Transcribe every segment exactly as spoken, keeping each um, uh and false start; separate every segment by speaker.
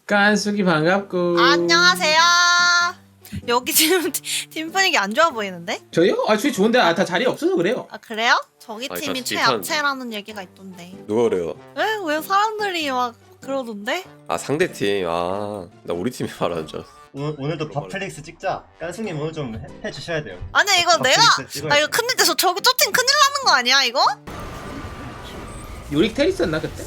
Speaker 1: 깐숙이 반갑고.
Speaker 2: 안녕하세요. 여기 지금 팀 분위기 안 좋아 보이는데?
Speaker 1: 저요? 아 저희 좋은데 아, 다 자리 없어서 그래요.
Speaker 2: 아 그래요? 저기
Speaker 3: 아니,
Speaker 2: 팀이
Speaker 3: 저
Speaker 2: 최악체라는 얘기가 있던데.
Speaker 3: 누가 그래요?
Speaker 2: 왜? 왜 사람들이 막 그러던데?
Speaker 3: 아 상대 팀. 아 나 우리 팀이 말하는 줄 알았어.
Speaker 4: 오늘, 오늘도 밥플릭스 찍자. 깐승님 오늘 좀 해, 해주셔야 돼요.
Speaker 2: 아니 이거 내가
Speaker 4: 밥플릭스 찍어야
Speaker 2: 아 이거
Speaker 4: 돼.
Speaker 2: 큰일 돼서 저기 저팀 큰일 나는 거 아니야 이거?
Speaker 1: 요릭 테리스였나 그때?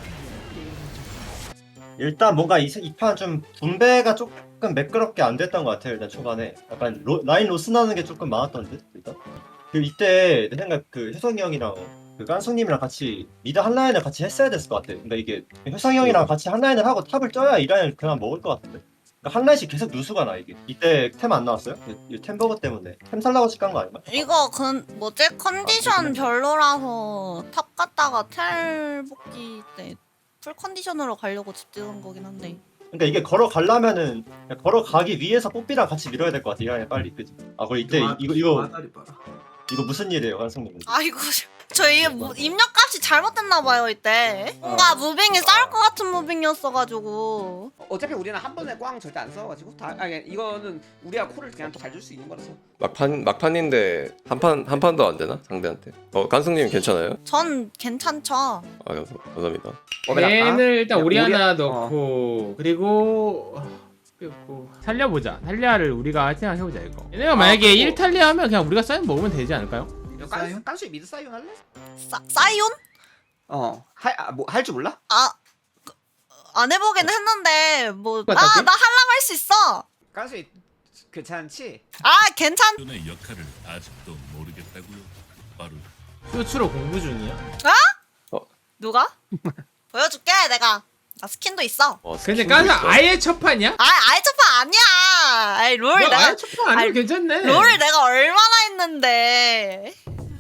Speaker 4: 일단 뭔가 이 판 좀 분배가 조금 매끄럽게 안 됐던 것 같아요. 일단 초반에 약간 로, 라인 로스 나는 게 조금 많았던 듯 일단. 그 이때 내 생각 그 효성이 형이랑 그 깐숙님이랑 같이 미드 한 라인을 같이 했어야 됐을 것 같아. 근데 이게 효성이 형이랑 같이 한 라인을 하고 탑을 쪄야 이 라인을 그냥 먹을 것 같은데. 그러니까 한 라인씩 계속 누수가 나 이게. 이때 템 안 나왔어요? 이, 이 템버거 때문에 템 살라고 찍은 거 아닌가?
Speaker 2: 이거 그 뭐지 컨디션 별로라서 탑 갔다가 텔 복귀 때 풀 컨디션으로 가려고 집 찍은 거긴 한데.
Speaker 4: 그러니까 이게 걸어가려면은 그냥 걸어가기 위해서 뽀삐랑 같이 밀어야 될 것 같아. 이 라인 빨리 그지? 아 그리고 이때 이- 이거 이거 이거 무슨 일이에요, 깐숙님?
Speaker 2: 아이고 저 이게 뭐 입력값이 잘못됐나 봐요 이때. 뭔가 무빙이 싸울 것 같은 무빙이었어가지고.
Speaker 5: 어차피 우리는 한 번에 꽝 절대 안 써가지고 다 아니 이거는 우리가 콜을 그냥 또 잘 줄 수 있는 거라서.
Speaker 3: 막판 막판인데 한 판 한 판도 안 되나 상대한테? 어 깐숙님 괜찮아요?
Speaker 2: 전 괜찮죠.
Speaker 3: 아 감사, 감사합니다.
Speaker 1: 얘는 일단
Speaker 5: 야,
Speaker 1: 우리
Speaker 5: 우리-
Speaker 1: 하나
Speaker 5: 어.
Speaker 1: 넣고 그리고 그리고 살려보자. 탈리아를 우리가 생각해보자 이거. 얘네가
Speaker 5: 아,
Speaker 1: 만약에
Speaker 5: 그리고-
Speaker 1: 일 탈리아 하면 그냥 우리가 사인 먹으면 되지 않을까요?
Speaker 5: 깐수 깐수이 미드 사이온 할래?
Speaker 2: 싸, 사이온?
Speaker 5: 어할뭐할 줄 몰라?
Speaker 2: 아, 그, 안 해보긴 했는데 뭐. 아, 나
Speaker 1: 똑같았지?
Speaker 2: 하려고 할 수 있어.
Speaker 5: 깐수이 괜찮지?
Speaker 2: 아, 괜찮.
Speaker 6: 의 역할을 아직도 모르겠다고요. 바로
Speaker 1: 쇼츠로 공부 중이야.
Speaker 2: 누가? 보여줄게 내가. 나 스킨도 있어.
Speaker 3: 어,
Speaker 1: 근데
Speaker 3: 스킨도
Speaker 1: 깐숙
Speaker 3: 있어.
Speaker 1: 아예 첫 판이야?
Speaker 2: 아, 아예 첫판 아니야. 아이 롤
Speaker 1: 너
Speaker 2: 내가
Speaker 1: 아예 첫 판 아니면
Speaker 2: 아니,
Speaker 1: 괜찮네.
Speaker 2: 롤을 내가 얼마나 했는데.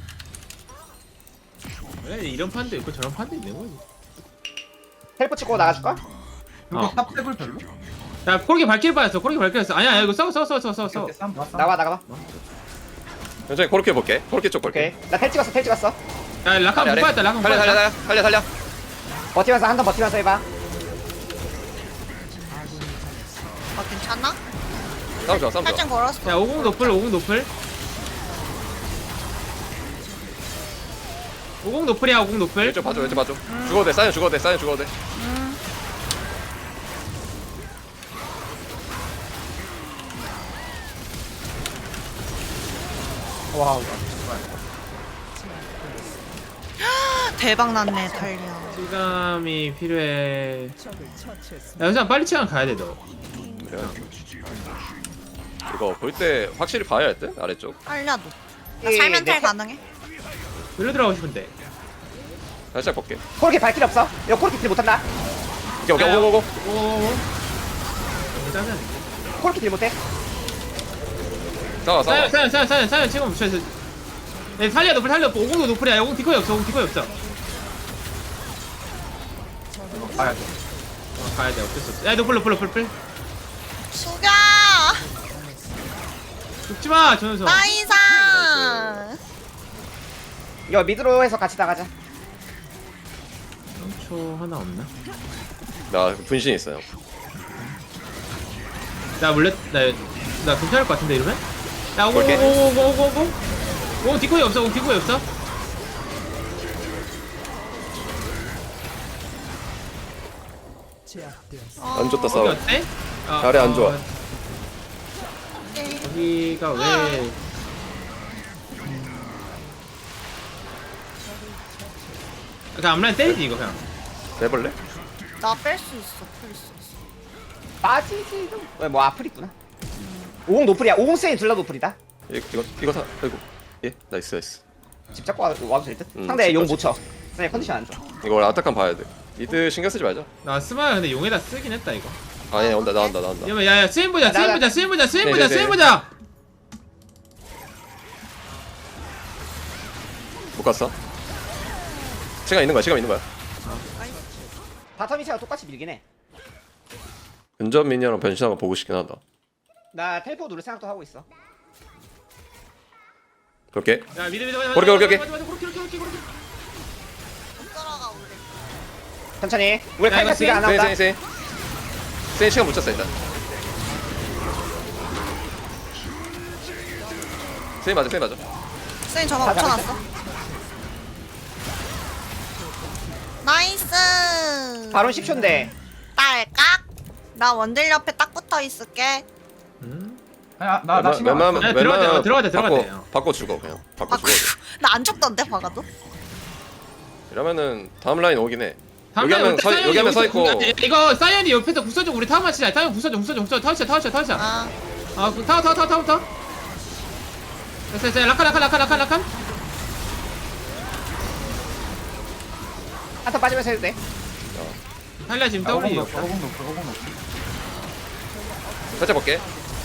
Speaker 1: 그래, 이런 판도 있고 저런 판도 있는 거지.
Speaker 5: 텔포 찍고 나가줄까?
Speaker 1: 어. 야 코르기 발길 빠졌어. 코르기 발길 빠졌어. 아니야 이거 싸워 싸워 싸워 싸워 싸워.
Speaker 5: 나가 나가봐.
Speaker 3: 천천히 코르케 볼게. 코르케 쪽 볼게.
Speaker 5: 오케이. 나 텔 찍었어 텔 찍었어.
Speaker 1: 야 라카 못 빠졌다. 라카 못
Speaker 3: 살려 살려
Speaker 1: 빠졌다.
Speaker 3: 살려 살려 살려.
Speaker 5: 버티면서 한 번 버티면서 해봐.
Speaker 2: 아, 괜찮나?
Speaker 3: 싸움 좋아 싸움 좋아.
Speaker 2: 살짝 걸었어.
Speaker 1: 야 오공 노플 오공 노플. 오공 노플이야 오공 노플.
Speaker 3: 왼쪽 봐줘 왼쪽 봐줘. 죽어도 돼 사인 죽어도 돼 사인 죽어도 돼.
Speaker 5: 와.
Speaker 2: 대박 났네 달리야.
Speaker 1: 시감이 필요해. 야 현상 빨리 치간 가야 돼 너.
Speaker 3: 그래. 이거 볼 때 확실히 봐야 할 듯? 아래쪽.
Speaker 2: 알려도. 나
Speaker 5: 예,
Speaker 2: 살면
Speaker 5: 네.
Speaker 2: 텔 가능해?
Speaker 1: 일로 들어가고 싶은데.
Speaker 3: 살짝 볼게.
Speaker 5: 코르키 발길 없어. 이거 코르키 딜 못한다.
Speaker 3: 오케이 오케이 오고고고.
Speaker 1: 오오오. 짜증.
Speaker 5: 코르키 딜 못해.
Speaker 3: 싸워 싸워.
Speaker 1: 사연 사연 사연 사연 사연 지금 저 네, 살려 노플 살려 오공도 노플이야. 오공 디코이 없어. 오공 디코이 없어.
Speaker 5: 가야 돼.
Speaker 1: 어, 가야 돼. 어쩔 수 없어. 야 노플 노플 노플 노플.
Speaker 2: 수가
Speaker 1: 죽지 마 전우성.
Speaker 2: 나이상.
Speaker 5: 이거 미드로 해서 같이 나가자.
Speaker 1: 초 하나 없나?
Speaker 3: 나 분신 있어요.
Speaker 1: 나 물렸 나나 괜찮을 것 같은데 이러면? 야 오공
Speaker 3: 볼게.
Speaker 1: 오공 오공 오공 오공. 오공 디코이 없어. 오공 디코이 없어.
Speaker 3: 안 좋다
Speaker 1: 여기
Speaker 3: 싸워.
Speaker 1: 어때? 아,
Speaker 3: 자리 안 좋아.
Speaker 1: 어, 여기가 왜? 그냥 앞라인 때리지 이거 그냥.
Speaker 3: 해볼래?
Speaker 2: 나 뺄 수 있어. 뺄 수 있어.
Speaker 5: 빠지지도. 왜, 뭐 아플 있구나. 오공 노플이야. 오공 세인 둘 다 노플이다.
Speaker 3: 이- 이거 이거 사. 아이고. 예 나이스 나이스.
Speaker 5: 집 잡고 와- 와도 될 듯.
Speaker 3: 음,
Speaker 5: 상대
Speaker 3: 집
Speaker 5: 용
Speaker 3: 잡고
Speaker 5: 못 쳐. 상대 컨디션 안 좋아.
Speaker 3: 이거 원래 아타칸 봐야 돼. 이드 신경 쓰지 말자.
Speaker 1: 나 스마야 근데 용에다 쓰긴 했다 이거.
Speaker 3: 아니 온다 나온다 나온다.
Speaker 1: 이러면 야야 스윙 보자 스윙
Speaker 5: 나-
Speaker 1: 보자 스윙 보자 스윙 보자
Speaker 3: 네네네.
Speaker 1: 스윙 보자.
Speaker 3: 못 갔어? 시간 있는 거야 시간 있는 거야.
Speaker 5: 바텀 이체가 똑같이 밀긴 해.
Speaker 3: 근접 미니언랑 변신한 거 보고 싶긴 하다.
Speaker 5: 나 텔포 누를 생각도 하고 있어.
Speaker 3: 그렇게.
Speaker 1: 야 미드 미드
Speaker 3: 오케이, 오케이, 오케이.
Speaker 1: 그렇게 그렇게 그렇게 그렇게.
Speaker 2: 못 따라가 우리.
Speaker 5: 천천히. 우리
Speaker 1: 야,
Speaker 5: 칼가
Speaker 1: 이거
Speaker 5: 지가 안
Speaker 3: 세이
Speaker 5: 나온다.
Speaker 3: 세이 세이. 세인 시간 못 쳤어 일단. 세인 맞아 세인 맞아.
Speaker 2: 쌤 저만
Speaker 5: 다
Speaker 2: 붙여놨어. 나이스.
Speaker 5: 바론 십 초인데.
Speaker 2: 딸깍. 나 원딜 옆에 딱 붙어 있을게.
Speaker 1: 음?
Speaker 7: 아나나 신경 안
Speaker 3: 웬만하면
Speaker 1: 아, 들어가야 돼,
Speaker 3: 웬만하면
Speaker 1: 들어가야 돼, 들어가야
Speaker 3: 바꿔-
Speaker 1: 돼.
Speaker 3: 바꿔 죽어 그냥. 바꿔
Speaker 2: 아,
Speaker 3: 죽어.
Speaker 2: 나 안 죽던데 박아도?
Speaker 3: 이러면은 다음 라인 오긴 해.
Speaker 1: 다음
Speaker 3: 여기 하면
Speaker 1: 라인
Speaker 3: 서
Speaker 1: 사이언이
Speaker 3: 여기 하면 서 있고.
Speaker 1: 여기서 공- 이거 사이언이 옆에서 부서져 우리 타워 맞히자. 타워 부서져 부서져 부서져 타워쳐 타워쳐 타워쳐.
Speaker 2: 아.
Speaker 1: 아 그 타워 타워 타워 타워 타워. 됐어 됐어 라칸 라칸 라칸 라칸 라칸.
Speaker 5: 한타 빠지면서 해도 돼.
Speaker 1: 탈리아 지금
Speaker 7: 오공
Speaker 1: 더블이
Speaker 7: 높여 오공 높여 오공 높여.
Speaker 3: 살짝 볼게.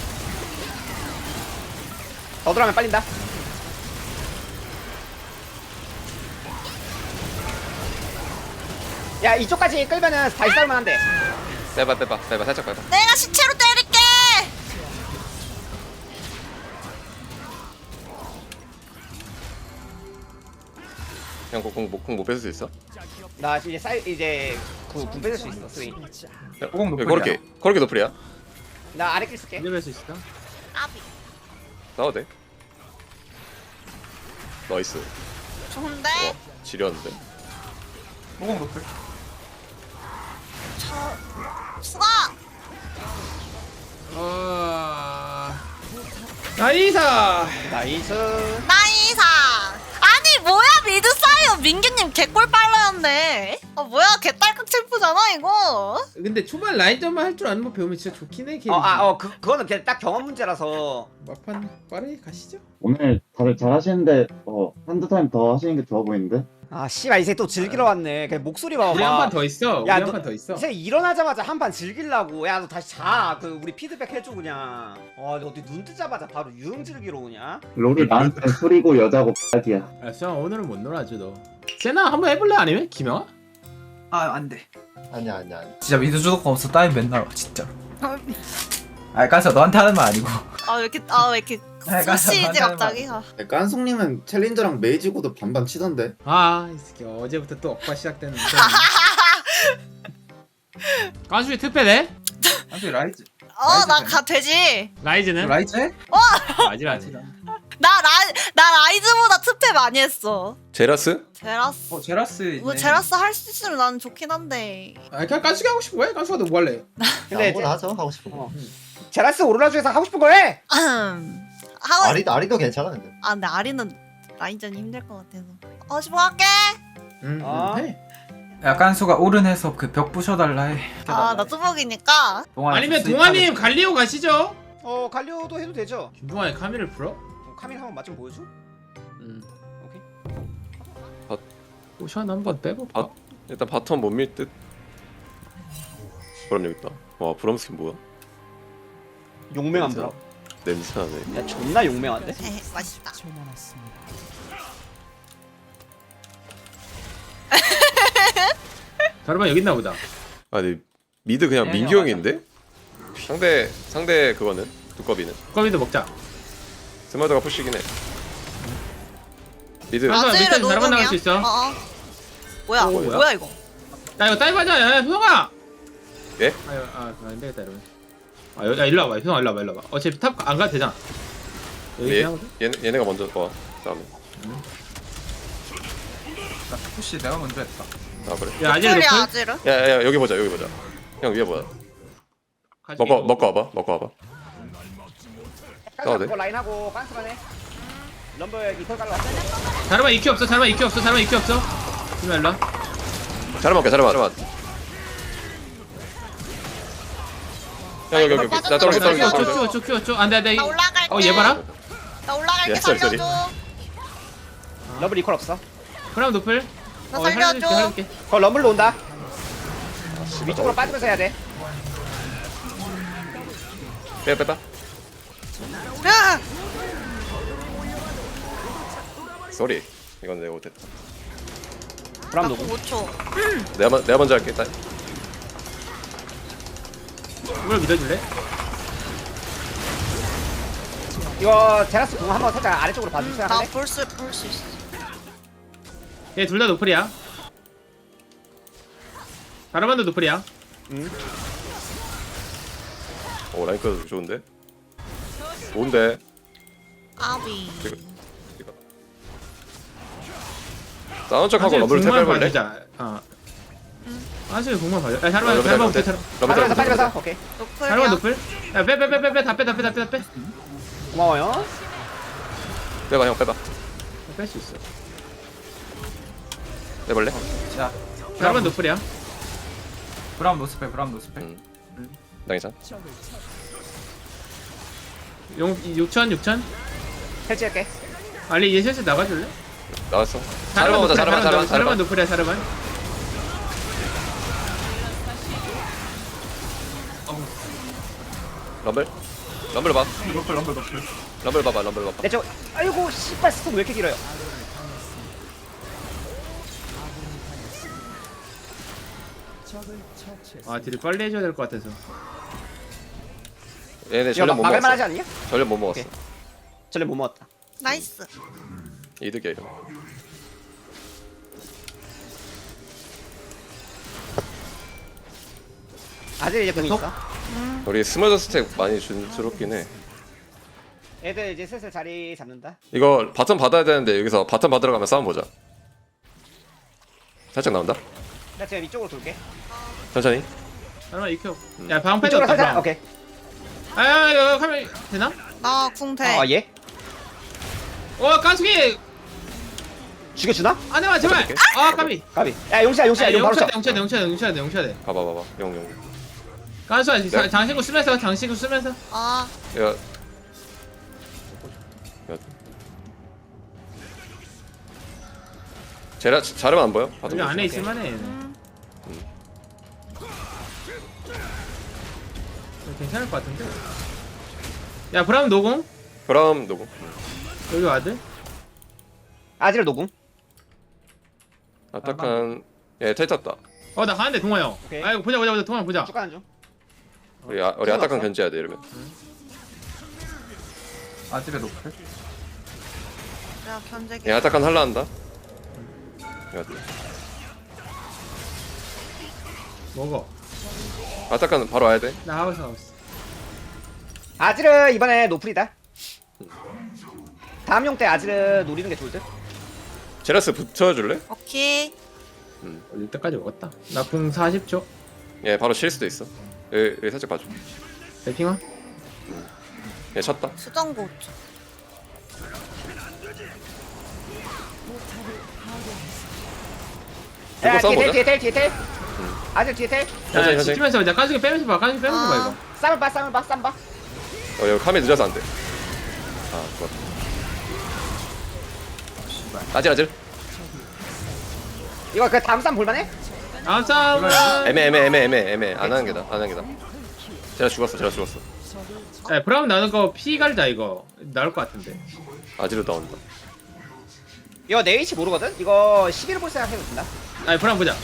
Speaker 5: 더 들어가면 빨린다. 야 이쪽까지 끌면은 다시 싸울만 한데.
Speaker 3: 빼봐 빼봐 빼봐 살짝 빼봐.
Speaker 2: 내가 시체로 때릴게.
Speaker 3: 그냥 공공못 뺏을 수 있어?
Speaker 5: 나 이제 쌀 이제 그군 뺏을 수 있어 스윙.
Speaker 7: 오공 높여.
Speaker 3: 그렇게 그렇게 노플이야.
Speaker 5: 나 아래 길 쓸게.
Speaker 1: 이제 뵐수 있어.
Speaker 2: 아비.
Speaker 3: 싸워도 돼. 나이스.
Speaker 2: 좋은데?
Speaker 3: 와 지렸는데.
Speaker 7: 오공 높여.
Speaker 2: 저 수가.
Speaker 1: 어... 나이사.
Speaker 5: 나이스.
Speaker 2: 나이사. 아니 뭐야 미드 사이어 민규님 개꿀 빨라였네. 아 뭐야 개딸깍 챔프잖아 이거.
Speaker 1: 근데 초반 라인전만 할 줄 아는 거 배우면 진짜 좋긴 해.
Speaker 5: 어아어 그 그거는 그냥 딱 경험 문제라서.
Speaker 1: 막판 빠르게 가시죠.
Speaker 8: 오늘 다들 잘하시는데 어 한두 타임 더 하시는 게 좋아 보이는데?
Speaker 5: 아 씨발 이 새끼 또 즐기러 왔네. 그냥 목소리 봐봐.
Speaker 1: 우리 한 판 더 있어. 우리
Speaker 5: 야,
Speaker 1: 한
Speaker 5: 너-
Speaker 1: 판 더 있어.
Speaker 5: 이 새끼 일어나자마자 한 판 즐기려고. 야 너 다시 자. 그 우리 피드백 해줘 그냥. 어 어디 눈 뜨자마자 바로 유흥 즐기러 오냐?
Speaker 8: 롤이 나한테 술이고 여자고 X이야.
Speaker 1: 알았어 오늘은 못 놀아줘 너. 세나 한번 해볼래 아니면 김영아?
Speaker 7: 아 안돼.
Speaker 4: 아니야 아니야 아니야.
Speaker 7: 진짜 믿을 수가 없어. 따위 맨날 와 진짜. 아 깐서 너한테 하는 말 아니고.
Speaker 2: 아 왜 이렇게 아 왜 이렇게
Speaker 7: 약간
Speaker 2: 소시지
Speaker 7: 약간
Speaker 2: 갑자기. 아.
Speaker 9: 깐송님은 챌린저랑 메이지고도 반반 치던데.
Speaker 1: 아이 새끼 어제부터 또 억바 시작됐는데. 가수이 특패네?
Speaker 7: 아직 라이즈.
Speaker 2: 어나 가 되지.
Speaker 1: 라이즈는?
Speaker 7: 라이즈 해?
Speaker 1: 라이즈 라이즈.
Speaker 2: 나 라, 나 라이즈보다 특패 많이 했어.
Speaker 3: 제라스?
Speaker 2: 제라스.
Speaker 7: 어 제라스 있네.
Speaker 2: 뭐 제라스 할 수 있으면 나는 좋긴 한데.
Speaker 1: 아 그냥 깐수기 하고 싶은 거야? 깐수가 너 뭐 할래?
Speaker 5: 근데
Speaker 4: 아무거나 하죠 하고 싶은 거.
Speaker 5: 어. 제라스 오로라 중에서 하고 싶은 거 해.
Speaker 2: 하고
Speaker 4: 아리 아리도 괜찮아 근데.
Speaker 2: 아 근데 아리는 라인전이 힘들 것 같아서. 어 집어 갈게.
Speaker 1: 응.
Speaker 5: 어.
Speaker 1: 해.
Speaker 7: 약간 수가 오른해서 그 벽 부셔달라 해.
Speaker 2: 아나 뚜벅이니까.
Speaker 7: 동아리
Speaker 1: 아니면
Speaker 7: 수입
Speaker 1: 동아님
Speaker 7: 하겠어.
Speaker 1: 갈리오 가시죠.
Speaker 5: 어 갈리오도 해도 되죠.
Speaker 1: 김동아의 카미를 풀어?
Speaker 5: 어, 카밀 한번 맛 좀 보여줘.
Speaker 1: 응.
Speaker 5: 오케이.
Speaker 1: 오션 한번 빼볼까?
Speaker 3: 아. 일단 바텀 못 밀 듯. 그럼 여기 있다. 와 브럼 스킨 뭐야?
Speaker 5: 용맹한 브라.
Speaker 3: 냄새 나네.
Speaker 5: 야 존나 용맹한데?
Speaker 2: 에헤, 맛있다.
Speaker 1: 자르반 여기 있나 보다.
Speaker 3: 아니 미드 그냥
Speaker 7: 네,
Speaker 3: 민규 형인데? 상대 상대 그거는 두꺼비는
Speaker 1: 거기도 먹자.
Speaker 3: 스마드가 푸시긴 해. 미드
Speaker 1: 아,
Speaker 2: 아즈르
Speaker 1: 밑에서 자르반 나갈 수 있어.
Speaker 2: 어어. 뭐야?
Speaker 1: 오,
Speaker 2: 뭐야?
Speaker 1: 뭐야?
Speaker 2: 이거?
Speaker 1: 야 이거 다이브하자. 야 효성아.
Speaker 3: 예?
Speaker 1: 아, 이거- 아 안 되겠다 이러면. 아 여- 야 일로 와봐. 효성아 일로 와봐 일로 와봐. 어차피 탑 안 가도 되잖아. 여기
Speaker 3: 얘,
Speaker 1: 그냥 하거든?
Speaker 3: 얘 얘네가 먼저 와 싸움에.
Speaker 7: 나 푸시 내가 먼저 했다.
Speaker 3: 아 그래.
Speaker 1: 야 아지르
Speaker 2: 소리야
Speaker 1: 노플.
Speaker 2: 아즈르?
Speaker 3: 야야 여기 보자 여기 보자. 형 위에 보자. 먹고 먹고 와봐 먹고 와봐.
Speaker 5: 깐스
Speaker 3: 돼?
Speaker 5: 거 라인하고 깐스만 해. 럼블 이퀄 깔러 왔어.
Speaker 1: 자르반 이큐 없어. 자르반 이큐 없어. 자르반 이큐 없어. 일로 와, 일로. 와.
Speaker 3: 잘 먹게 잘 먹게. 형 여기 여기 여기. 나 떨어져
Speaker 1: 큐
Speaker 3: 떨어져
Speaker 1: 어쩌 큐
Speaker 3: 떨어져.
Speaker 1: 어쩌 큐 어쩌. 안돼 안돼.
Speaker 2: 나 올라갈게.
Speaker 1: 어얘 봐라.
Speaker 2: 나 올라갈게
Speaker 3: 야, 쏘리, 쏘리.
Speaker 2: 살려줘.
Speaker 5: 럼블 이퀄 없어.
Speaker 1: 그럼 노플.
Speaker 2: 나
Speaker 1: 어,
Speaker 2: 살려줘.
Speaker 1: 살려줄게, 살려줄게.
Speaker 5: 거 럼블로 온다. 위쪽으로 빠지면서 해야 돼.
Speaker 3: 빼 빼다.
Speaker 2: 야!
Speaker 3: 쏘리. 이건 내가 못했다.
Speaker 5: 브람
Speaker 2: 나
Speaker 5: 누구?
Speaker 2: 오 초.
Speaker 3: 내가 먼- 내가 먼저 할게 일단.
Speaker 1: 이걸 믿어줄래?
Speaker 5: 이거 제라스 공 한번 살짝 아래쪽으로 봐줄 생각해.
Speaker 2: 나볼수 볼 수 있어.
Speaker 1: 얘 둘 다 노플이야. 자르반도 노플이야.
Speaker 5: 응.
Speaker 3: 오 라인크도 좋은데. 좋은데.
Speaker 2: 아비.
Speaker 3: 싸운 척하고 러블 탭
Speaker 1: 공만
Speaker 3: 해볼래?
Speaker 1: 봐주자. 어. 사실 공만 봐줘. 야
Speaker 3: 어,
Speaker 1: 자르반
Speaker 3: 러블
Speaker 1: 자르반
Speaker 3: 탭,
Speaker 1: 부터 자르.
Speaker 3: 러블
Speaker 5: 빨리 가자 빨리
Speaker 3: 탭.
Speaker 5: 가자. 오케이.
Speaker 1: 자르반
Speaker 2: 노플이야.
Speaker 1: 노플. 야빼 빼 빼 빼 빼 다 빼 다 빼 다 빼 다 빼.
Speaker 5: 고마워요.
Speaker 3: 빼봐 형 빼봐.
Speaker 1: 뺄 수 있어.
Speaker 3: 빼볼래?
Speaker 7: 자
Speaker 1: 자르반 노플이야.
Speaker 7: 브라운 노스펠 브라운 노스펠.
Speaker 3: 응. 나 괜찮아.
Speaker 1: 용 육천 육천.
Speaker 5: 해치할게.
Speaker 1: 알리 얘 슬슬 나가줄래?
Speaker 3: 나왔어. 자르반 보자 자르반 자르반
Speaker 1: 자르반
Speaker 3: 자르반.
Speaker 1: 노플이야 자르반.
Speaker 3: 럼블. 럼블 봐.
Speaker 7: 럼블 럼블 럼블.
Speaker 3: 럼블 봐봐 럼블 봐봐.
Speaker 5: 내 쪽. 아이고 씨발 스톱 왜 이렇게 길어요?
Speaker 1: 아 딜을 빨리 해줘야 될 것 같아서.
Speaker 3: 얘네
Speaker 5: 이거
Speaker 3: 전력 못
Speaker 5: 막을만 하지
Speaker 3: 먹었어.
Speaker 5: 않냐?
Speaker 3: 전력 못 먹었어.
Speaker 5: 오케이. 전에 못 먹었다.
Speaker 2: 나이스.
Speaker 3: 이득이야 이러면.
Speaker 5: 아직 이제 공 있어.
Speaker 3: 우리 스몰더 스택 많이 준 스럽긴 해.
Speaker 5: 애들 이제 슬슬 자리 잡는다.
Speaker 3: 이거 바텀 받아야 되는데 여기서 바텀 받으러 가면 싸움 보자. 살짝 나온다.
Speaker 5: 나 지금 이쪽으로 돌게.
Speaker 3: 천천히.
Speaker 1: 자르반 익혀. 야 방패
Speaker 5: 이쪽으로
Speaker 1: 줬다.
Speaker 5: 살짝.
Speaker 1: 방패.
Speaker 5: 오케이.
Speaker 1: 아 이거 카메라 되나?
Speaker 2: 나 궁 돼.
Speaker 5: 아 예.
Speaker 1: 와 까수기
Speaker 5: 죽여주나?
Speaker 1: 안해봐 제발.
Speaker 3: 어떡해?
Speaker 1: 아 까비.
Speaker 5: 까비. 야 용시야 용시야 용 바로 쳐.
Speaker 1: 용쳐야 돼 용쳐야 돼 용쳐야 돼 용쳐야 돼.
Speaker 3: 봐봐 봐봐. 용 용.
Speaker 1: 까수야
Speaker 3: 네.
Speaker 1: 장신구 쓰면서 장신구 쓰면서.
Speaker 2: 아,
Speaker 3: 야. 야. 제라 자르면 안 보여? 바텀
Speaker 1: 여기 안에
Speaker 3: 조심.
Speaker 1: 있을만해.
Speaker 2: 음.
Speaker 1: 괜찮을 것 같은데. 야 브라운 노공
Speaker 3: 그럼 누구?
Speaker 1: 여기 와드.
Speaker 5: 아지를 노궁.
Speaker 3: 아딱한 예 탈탔다.
Speaker 1: 어 나 가는데 동아 형.
Speaker 5: 오케이.
Speaker 1: 아이고 보자 보자 보자 동아 보자.
Speaker 5: 쭉 가는 중.
Speaker 3: 우리 아, 우리 아딱한 견제해야 돼 이러면.
Speaker 7: 아집에 노플.
Speaker 2: 내가 견제기.
Speaker 3: 예 아딱한 할라 한다. 야,
Speaker 1: 먹어.
Speaker 3: 아딱한 바로 와야 돼.
Speaker 1: 나 하고 있어 하고 있어.
Speaker 5: 아지르 이번에 노플이다. 다음 용 때 아지르 노리는 게 좋을 듯.
Speaker 3: 제라스 붙여줄래?
Speaker 2: 오케이.
Speaker 1: 올릴 때까지 먹었다. 나 궁 사십 초.
Speaker 3: 예 바로 칠 수도 있어. 여기, 여기 살짝 봐줘.
Speaker 1: 대핑아.
Speaker 3: 예 쳤다.
Speaker 2: 수정고.
Speaker 3: 이거
Speaker 5: 야
Speaker 3: 싸움
Speaker 5: 뒤에
Speaker 3: 보자.
Speaker 5: 텔 뒤에 텔 뒤에 텔. 아지르 뒤에 텔.
Speaker 1: 야
Speaker 3: 천천히, 천천히.
Speaker 1: 지키면서 보자. 까수기 빼면서 봐. 까수기 빼면서 봐
Speaker 2: 아.
Speaker 1: 이거.
Speaker 5: 쌈을 봐 쌈을 봐 쌈 봐.
Speaker 3: 어 여기 카메 늦어서 안 돼. 아 좋았다. 아질 아질.
Speaker 5: 이거 그 다음 쌈 볼만해?
Speaker 1: 다음 싸움은.
Speaker 3: 애매 애매 애매 애매 애매 안 하는 게다 안 하는 게다. 제라 죽었어 제라 죽었어.
Speaker 1: 야 브라운 나는 거 피 갈자 이거 나올 것 같은데.
Speaker 3: 아지로 나온다.
Speaker 5: 이거 내 위치 모르거든? 이거 십일 볼 생각 해도 된다.
Speaker 1: 아 브라운 보자.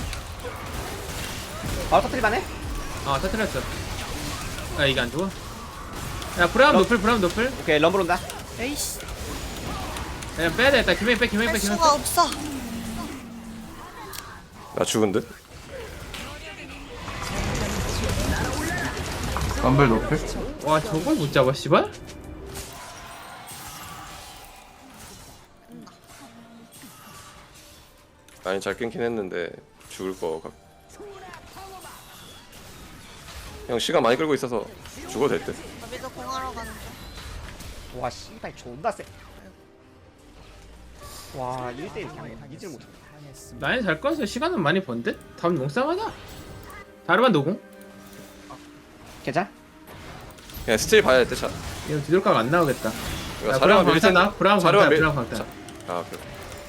Speaker 5: 바로 터뜨릴만해?
Speaker 1: 아 터트렸어. 야 이게 안 좋아. 야 브라운
Speaker 5: 럼-
Speaker 1: 노플 브라운 노플.
Speaker 5: 오케이 럼블 온다.
Speaker 2: 에이씨.
Speaker 1: 그냥 빼야 되겠다. 김행 빼 김행
Speaker 2: 할
Speaker 1: 빼 김행
Speaker 2: 수가
Speaker 1: 빼.
Speaker 2: 없어.
Speaker 3: 나 죽은 듯.
Speaker 7: 럼블 노플.
Speaker 1: 와 저걸 못 잡아 씨발.
Speaker 3: 아니 잘 끊긴 했는데 죽을 거 같. 형 시간 많이 끌고 있어서 죽어도 될 듯.
Speaker 2: 나비도 공하러 가는 중.
Speaker 5: 와 씨발 존나 세. 와 일 대 일 그냥 이질 못해.
Speaker 1: 라인 잘 꺼서 시간은 많이 번 듯? 다음 용싸하자. 다르반 노공?
Speaker 5: 괜찮아?
Speaker 3: 그냥 스틸 봐야 될 듯. 자.
Speaker 1: 이거 뒤돌각 안 나오겠다.
Speaker 3: 이거
Speaker 1: 야,
Speaker 3: 자르만
Speaker 1: 브라운
Speaker 3: 밀 텐데.
Speaker 1: 광탄 나? 브라운
Speaker 3: 자르만
Speaker 1: 광탄,
Speaker 3: 밀-
Speaker 1: 브라운 광탄.
Speaker 3: 자, 아 그래.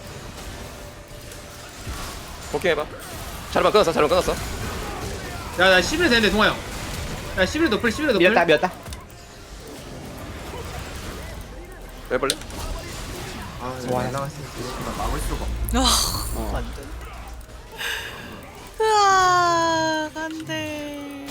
Speaker 3: 포킹 해봐. 자르만 끊었어 자르만 끊었어.
Speaker 1: 야, 나 십일 되는데 동아 형. 야, 십일 노플, 십일 노플.
Speaker 5: 밀었다 밀었다.
Speaker 3: 빼볼래?
Speaker 1: 아, 와, 나갔으니까
Speaker 7: 막을 수가 없네.
Speaker 2: 으아, 안 돼.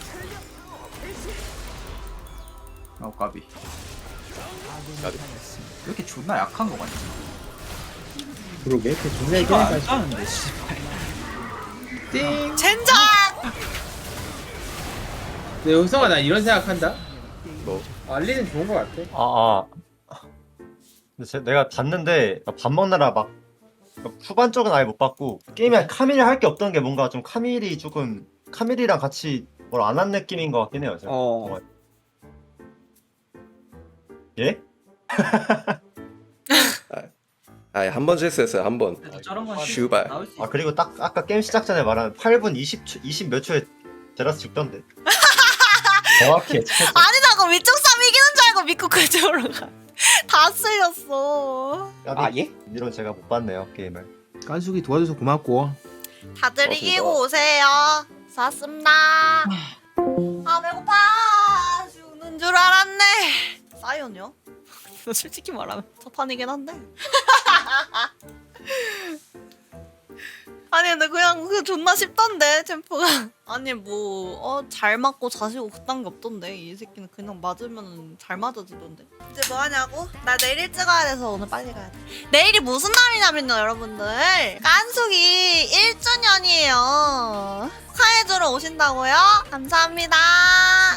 Speaker 7: 어 까비.
Speaker 3: 나도.
Speaker 7: 왜 이렇게 존나 약한 거 같지?
Speaker 1: 그러게, 그 존나
Speaker 7: 이거 안 짜는데 씨발.
Speaker 1: 띵.
Speaker 2: 젠장!
Speaker 1: 근데 효성아 나 이런 생각한다.
Speaker 3: 뭐
Speaker 1: 알리는 좋은 거 같아.
Speaker 4: 아, 아. 근데 제, 내가 봤는데 밥 먹느라 막 후반 쪽은 아예 못 봤고 게임에 카밀이 할 게 없던 게 뭔가 좀 카밀이 조금 카밀이랑 같이 뭘 안 한 느낌인 것 같긴 해요. 제가.
Speaker 5: 어.
Speaker 4: 예?
Speaker 3: 아한 번 실수했어요 한 번.
Speaker 7: 저런 건
Speaker 3: 슈발.
Speaker 7: 나올 수 있어.
Speaker 4: 아 그리고 딱 아까 게임 시작 전에 말한 팔 분 이십 초, 이십 몇 초에 제라스 죽던데. 정확히 예측했어.
Speaker 2: 아니 나 그 위쪽 삼 이기는 줄 알고 믿고 그쪽으로 가. 다 쓸렸어.
Speaker 5: 아 예?
Speaker 4: 이런 제가 못 봤네요 게임을.
Speaker 1: 깐숙이 도와줘서 고맙고.
Speaker 2: 다들
Speaker 3: 고맙습니다.
Speaker 2: 이기고 오세요. 수고하셨습니다. 아 배고파. 죽는 줄 알았네. 사이언이요? 솔직히 말하면 첫판이긴 한데. 아니 근데 그냥 그 존나 쉽던데 챔프가. 아니 뭐 어 잘 맞고 자시고 그딴 게 없던데 이 새끼는 그냥 맞으면 잘 맞아지던데. 이제 뭐 하냐고? 나 내일 일찍 가야 돼서 오늘 빨리 가야 돼. 내일이 무슨 날이냐면요 여러분들 깐숙이 일 주년이에요. 축하해주러 오신다고요? 감사합니다.